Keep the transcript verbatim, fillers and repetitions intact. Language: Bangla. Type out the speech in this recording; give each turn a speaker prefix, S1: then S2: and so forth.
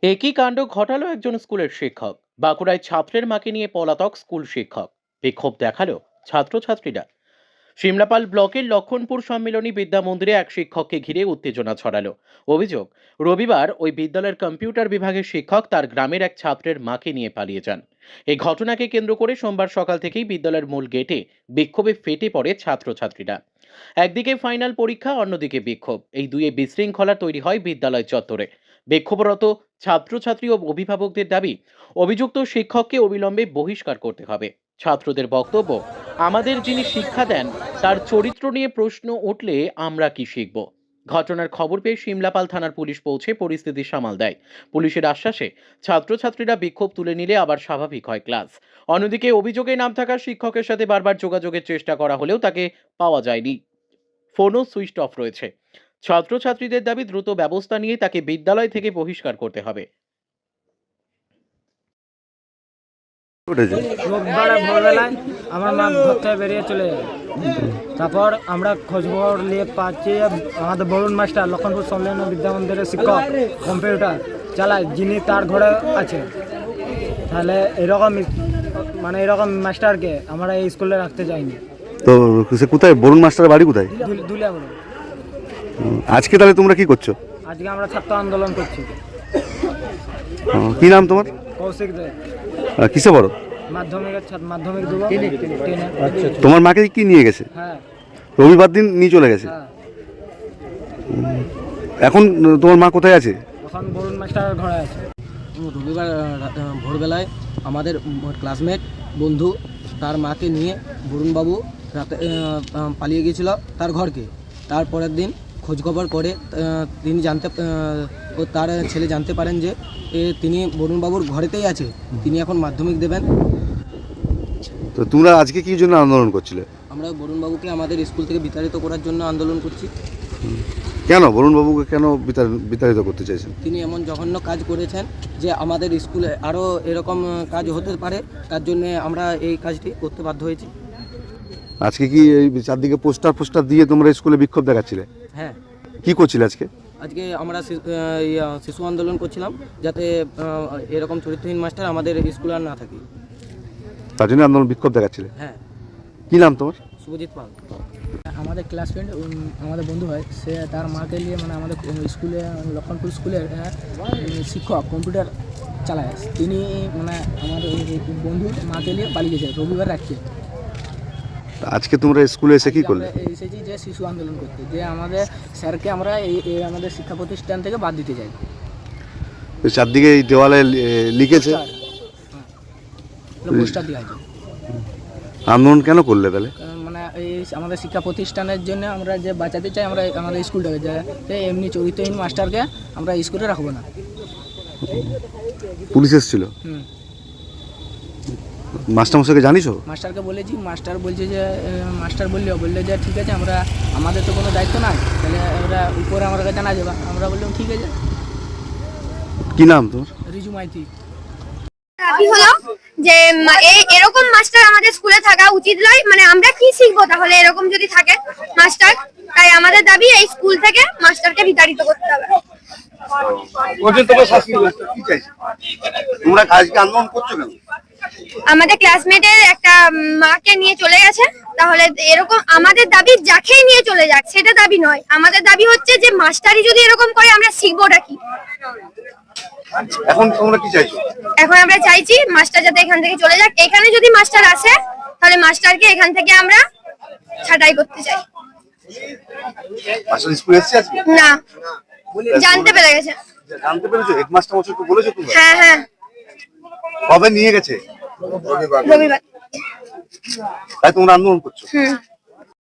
S1: একই কাণ্ড ঘটালো একজন স্কুলের শিক্ষক। বাঁকুড়ায় ছাত্রের মাকে নিয়ে পলাতক স্কুল শিক্ষক। বিক্ষোভ দেখালো ছাত্রছাত্রীরা। সিমলাপাল ব্লকের লক্ষণপুর সম্মিলনী বিদ্যা মন্দিরে এক শিক্ষককে ঘিরে উত্তেজনা ছড়ালো। অভিযোগ, রবিবার ওই বিদ্যালয়ের কম্পিউটার বিভাগের শিক্ষক তার গ্রামের এক ছাত্রের মাকে নিয়ে পালিয়ে যান। এই ঘটনাকে কেন্দ্র করে সোমবার সকাল থেকেই বিদ্যালয়ের মূল গেটে বিক্ষোভে ফেটে পড়ে ছাত্রছাত্রীরা। একদিকে ফাইনাল পরীক্ষা, অন্যদিকে বিক্ষোভ, এই দুয়ে বিশৃঙ্খলা তৈরি হয় বিদ্যালয় চত্বরে। বিক্ষোভরত ছাত্রছাত্রী ও অভিভাবকদের দাবি, অভিযুক্ত শিক্ষককে অবিলম্বে বহিষ্কার করতে হবে। ছাত্রদের বক্তব্য, আমাদের যিনি শিক্ষা দেন তার চরিত্র নিয়ে প্রশ্ন উঠলে আমরা কি শিখব। ঘটনার খবর পেয়ে সিমলাপাল থানার পুলিশ পৌঁছে পরিস্থিতি সামাল দেয়। পুলিশের আশ্বাসে ছাত্রছাত্রীরা বিক্ষোভ তুলে নিলে আবার স্বাভাবিক হয় ক্লাস। অন্যদিকে অভিযোগে নাম থাকা শিক্ষকের সাথে বারবার যোগাযোগের চেষ্টা করা হলেও তাকে পাওয়া যায়নি। ফোনও সুইচ অফ রয়েছে। ছাত্রছাত্রীদের দাবি, দ্রুত ব্যবস্থা নিয়ে তাকে বিদ্যালয় থেকে বহিষ্কার করতে হবে।
S2: রোববার ভোরবেলায় আমার মা ঘর থেকে বেরিয়ে চলে যায়। তারপর আমরা খোঁজখবর নিয়ে পাচ্ছি আমাদের বরুণ মাস্টার লক্ষণপুর সম্মেলন বিদ্যা মন্দিরের শিক্ষক কম্পিউটার চালায়, যিনি তার ঘরে আছে। তাহলে এরকম মানে এরকম মাস্টারকে আমরা এই স্কুলে রাখতে চাইনি।
S3: তো সে কোথায়, বরুণ মাস্টারের বাড়ি কোথায়?
S2: দুলিয়া বরুণ।
S3: আজকে তাহলে তোমরা কি করছো?
S2: আজকে আমরা ছাত্র আন্দোলন করছি।
S3: কি নাম তোমার?
S2: কৌশিক দে।
S3: কিসে পড়ো?
S2: মাধ্যমিকের ছাত্র, মাধ্যমিক দেবো।
S3: তোমার মাকে কি নিয়ে গেছে?
S2: হ্যাঁ,
S3: রবিবার দিন নিয়ে চলে গেছে।
S2: হ্যাঁ।
S3: এখন তোমার মা কোথায় আছে?
S2: এখন বরুণ মাস্টারের ঘরে আছে।
S4: রবিবার ভোরবেলায় আমাদের ক্লাসমেট বন্ধু তার মাকে নিয়ে বরুণবাবু রাতে পালিয়ে গিয়েছিল তার ঘরকে। তারপরের দিন খোঁজখবর করে তিনি জানতে ও তার ছেলে জানতে পারেন যে তিনি বরুণবাবুর ঘরেতেই আছে, তিনি এখন মাধ্যমিক দেবেন।
S3: তো তোমরা আজকে কি জন্য আন্দোলন করছিলে?
S4: আমরা বরুণবাবুকে আমাদের স্কুল থেকে বিতাড়িত করার জন্য আন্দোলন করছি।
S3: কেন বরুণবাবুকে কেন বিতাড়িত করতে চাইছেন?
S4: তিনি এমন জঘন্য কাজ করেছেন যে আমাদের স্কুলে আরও এরকম কাজ হতে পারে, তার জন্য আমরা এই কাজটি করতে বাধ্য হয়েছি।
S3: আজকে কি এই চারদিকে পোস্টার পোস্টার দিয়ে তোমরা স্কুলে বিক্ষোভ দেখাচ্ছিলে?
S4: হ্যাঁ।
S3: কি করছিলে আজকে?
S4: আজকে আমরা শিশু আন্দোলন করছিলাম, যাতে এরকম চরিত্রহীন মাস্টার আমাদের স্কুলে আর না থাকে,
S3: তার জন্য আন্দোলন বিক্ষোভ দেখাচ্ছিলে?
S4: হ্যাঁ।
S3: কি নাম তোমার?
S4: শুভজিৎ পাল।
S2: আমাদের ক্লাস ফ্রেন্ড, আমাদের বন্ধু হয়, সে তার মাকে নিয়ে মানে আমাদের স্কুলে লক্ষণপুর স্কুলের শিক্ষক কম্পিউটার চালায়, তিনি মানে আমাদের বন্ধুর মাকে নিয়ে পালিয়ে গেছে রবিবার রাখছে।
S3: আজকে তোমরা স্কুলে এসে কি করলে?
S2: এসেছি যে শিশু আন্দোলন করতে, যে আমাদের স্যারকে আমরা এই আমাদের শিক্ষা প্রতিষ্ঠান থেকে বাদ দিতে চাই।
S3: চারদিকে এই দেওয়ালে লিখেছে,
S2: পোস্টার দেওয়া আছে।
S3: আন্দোলন কেন করলে তাহলে?
S2: মানে এই আমাদের শিক্ষা প্রতিষ্ঠানের জন্য আমরা যে বাঁচাতে চাই আমরা আমাদের স্কুলটাকে, যে এমনি চরিত্রহীন মাস্টারকে আমরা স্কুলে রাখবো না।
S3: পুলিশ এসেছিল?
S2: হুম।
S3: মাস্টারমশাইকে জানিস?
S2: মাস্টারকে বলেছি, মাস্টার বলছে যে মাস্টার বললে বললে যে ঠিক আছে, আমরা আমাদের তো কোনো দায়িত্ব নাই, তাহলে আমরা উপরে আমার কাছে জানা যাবে। আমরা বললাম ঠিক আছে।
S3: কি নাম তোমার?
S2: রিজু মাইতি।
S5: দাবি হলো যে এরকম মাস্টার আমাদের স্কুলে থাকা উচিত নয়। মানে আমরা কি শিখবো তাহলে এরকম যদি থাকে মাস্টার? তাই আমাদের দাবি এই স্কুল থেকে মাস্টারকে বিতাড়িত করতে হবে।
S3: তোমরা আজকে আন্দোলন করছো কেন?
S5: আমাদের ক্লাসমেটের একটা মাকে নিয়ে চলে গেছে, তাহলে এরকম আমাদের দাবি যাকেই নিয়ে চলে যাক সেটা দাবি নয়। আমাদের দাবি হচ্ছে যে মাস্টারই যদি এরকম করে আমরা শিখবোটা কি?
S3: এখন তোমরা কি চাইছো?
S5: এখন আমরা চাইছি মাস্টার যাতে এখান থেকে চলে যাক। এখানে যদি মাস্টার আসে তাহলে মাস্টারকে এখান থেকে আমরা ছাঁটাই করতে চাই।
S3: মাস্টার স্কুলে এসেছে আজকে?
S5: না, জানতে পেরে গেছে।
S3: জানতে পেরেছো? হেডমাস্টার মশাইকে বলেছো তোমরা?
S5: হ্যাঁ হ্যাঁ।
S3: কবে নিয়ে গেছে?
S5: রবিবার।
S3: তাই তোমরা আন্দোলন করছো?
S5: হুম।